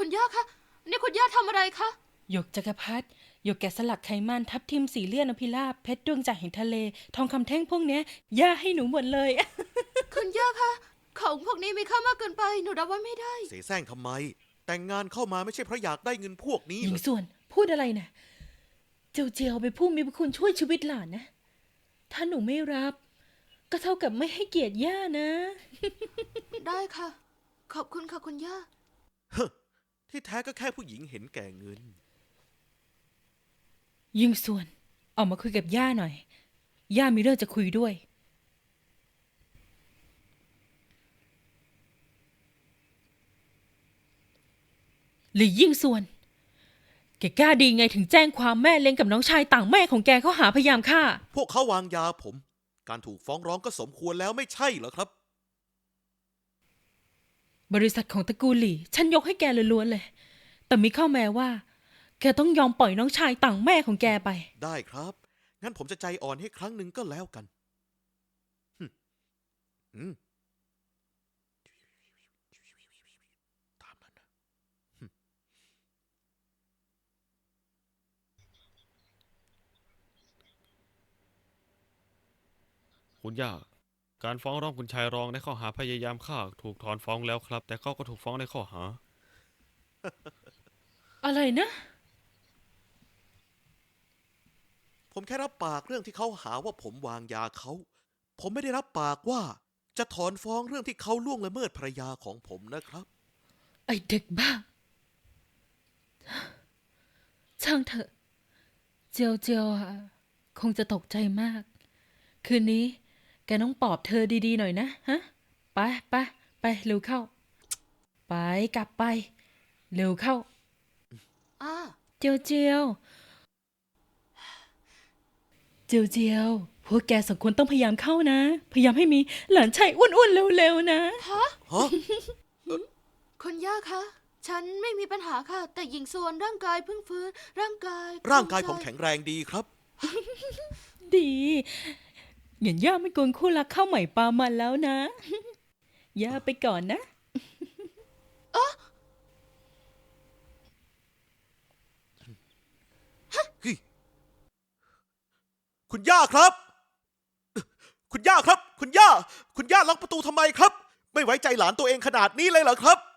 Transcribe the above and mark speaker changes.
Speaker 1: คุณย่าคะนี่คุณย่าทำอะไรคะ
Speaker 2: หยกจักรพรรดิหยกแกะสลักไขมันทับทิมสีเลี่ยนอภิราบเพชรดวงจากแห่งทะเลทองคำแท่งพวกเนี้ยย่าให้หนูหมดเลย
Speaker 1: คุณย่าคะของพวกนี้มีค่ามากเกินไปหนูรับไว้ไม่ได้
Speaker 3: เสแสร้งทำไม แต่งงานเข้ามาไม่ใช่เพราะอยากได้เงินพวกนี้
Speaker 2: ห
Speaker 3: เห
Speaker 2: ญิ
Speaker 3: รง อ
Speaker 2: ส่วนพูดอะไรนะเจียวเจียวไปพูดมีพระคุณช่วยชีวิตหลานนะถ้าหนูไม่รับ ก็เท่ากับไม่ให้เกียรติย่านะ
Speaker 1: ได้ค่ะ ขอบคุณค่ะคุณย่า
Speaker 3: ที่แท้ก็แค่ผู้หญิงเห็นแก่เงิน
Speaker 2: ยิ่งส่วนออกมาคุยกับย่าหน่อยย่ามีเรื่องจะคุยด้วยหรือยิ่งส่วนแกกล้าดีไงถึงแจ้งความแม่เลี้ยงกับน้องชายต่างแม่ของแกเขาหาพยายามฆ่า
Speaker 3: พวกเขาวางยาผม การถูกฟ้องร้องก็สมควรแล้วไม่ใช่เหรอครับ
Speaker 2: บริษัทของตระกูลหลี่ฉันยกให้แกล้วนๆเลย แต่มีข้อแม้ว่า แกต้องยอมปล่อยน้องชายต่างแม่ของแกไป
Speaker 3: ได้ครับ งั้นผมจะใจอ่อนให้ครั้งหนึ่งก็แล้วกันหึอืมตามนั้นนะ
Speaker 4: คุณย่า การฟ้องร้องคุณชายรองในข้อหาพยายามฆ่าถูกถอนฟ้องแล้วครับ แต่เขาก็ถูกฟ้องในข้อหา
Speaker 2: อะไรนะ
Speaker 3: ผมแค่รับปากเรื่องที่เขาหาว่าผมวางยาเขา ผมไม่ได้รับปากว่า จะถอนฟ้องเรื่องที่เขาล่วงละเมิดภรรยาของผมนะครับ
Speaker 2: ไอเด็กบ้า ช่างเถอะ เจียวเจียวอะคงจะตกใจมาก คืนนี้ แกต้องปลอบเธอดีๆหน่อยนะฮะ ไปไปไปเร็วเข้า ไปกลับไป เร็วเข้า
Speaker 1: อ่า
Speaker 2: เจียวเจียว เจียวเจียว พวกแกสองคนต้องพยายามเข้านะ พยายามให้มีหลานชายอ้วนๆเร็วๆนะ
Speaker 3: ฮะ
Speaker 1: คุณย่าคะ ฉันไม่มีปัญหาค่ะ แต่หญิงส่วนร่างกายเพิ่งฟื้น ร่างกาย
Speaker 3: ร่างกายผม
Speaker 1: ค
Speaker 3: แข็งแรงดีครับ
Speaker 2: ดีเหยียนย่าไม่กวนคู่รักข้าวใหม่ปลามันแล้วนะ ย่าไปก่อนนะ
Speaker 3: คุณย่าครับ คุณย่าครับ คุณย่า คุณย่าล็อกประตูทำไมครับ ไม่ไว้ใจหลานตัวเองขนาดนี้เลยเหรอครับ